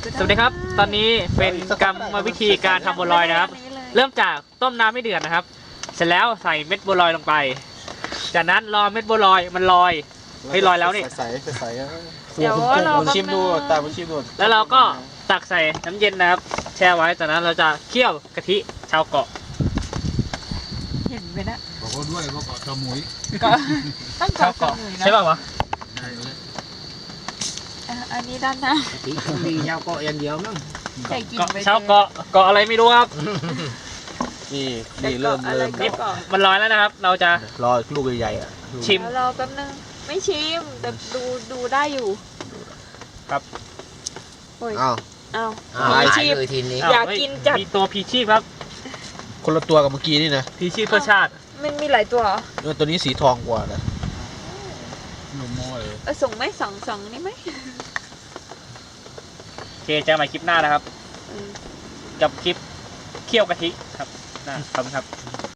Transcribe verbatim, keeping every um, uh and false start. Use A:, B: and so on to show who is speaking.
A: สวัสดีครับตอนนี้เป็นกรรมวิธีการทำบัวลอยนะครับเริ่มจากต้มน้ำไม่เดือดนะครับเสร็จแล้วใส่เม็ดบัวลอยลงไปจากนั้นรอเม็ดบัวลอยมันลอยให้ลอยแล้วนี่
B: ใส่ใส่
C: เดี๋ยวเรา
B: ชิมดูตาไปชิมดู
A: แล้วเราก็ตักใส่น้ำเย็นนะครับแช่ไว้จากนั้นเราจะเคี่ยวกะทิชาวเกาะ
C: เห็นไหมนะ
D: บอกเขาด้วยว่าเกาะสมุย
C: ก็ต้อง
A: ชาว
C: เกาะ
A: เกาะ
C: เลยนะ
A: ใช่ป่าววะ
D: ได้เลย
C: อ่ะอันนี้ด้านหน้า
E: มียาวเกาะอย่างเดียวมั้ง
C: ใส่กิน
A: เกาะ
C: ไป
A: ชาวเกาะเกาะอะไรไม่รู้ครับ
B: นี่นี่เริ่มเริ่ม
A: นี่มันลอยแล้วนะครับ เราจะ
B: รอลูกใหญ่ๆอ่ะ
A: ชิม
C: แล้วรอแป๊บนึงไม่ชิมแต่ดูดูได้อยู่
A: ครับ
C: โอ้ย
B: อ้าว
C: เอา
E: อ่า
C: ไม่
E: หลาย
C: ชิม
E: เลยทีนี้
C: อยากกินจัด
A: มีตัวพีชีพครับ
B: คนละตัวกับเมื่อกี้นี่นะ
A: พีชีพเพื่อชาติ
C: มันมีหลายตัวเหรอ
B: เออตัวนี้สีทองกว่านะ
D: หนุ่มโม่เลย
C: เออส่งไหมสองสองนี่ไหม
A: โอเคเจอกันใหม่คลิปหน้านะครับ
C: เออ
A: กับคลิปเคี่ยวกะทิครับนะขอบคุณครับ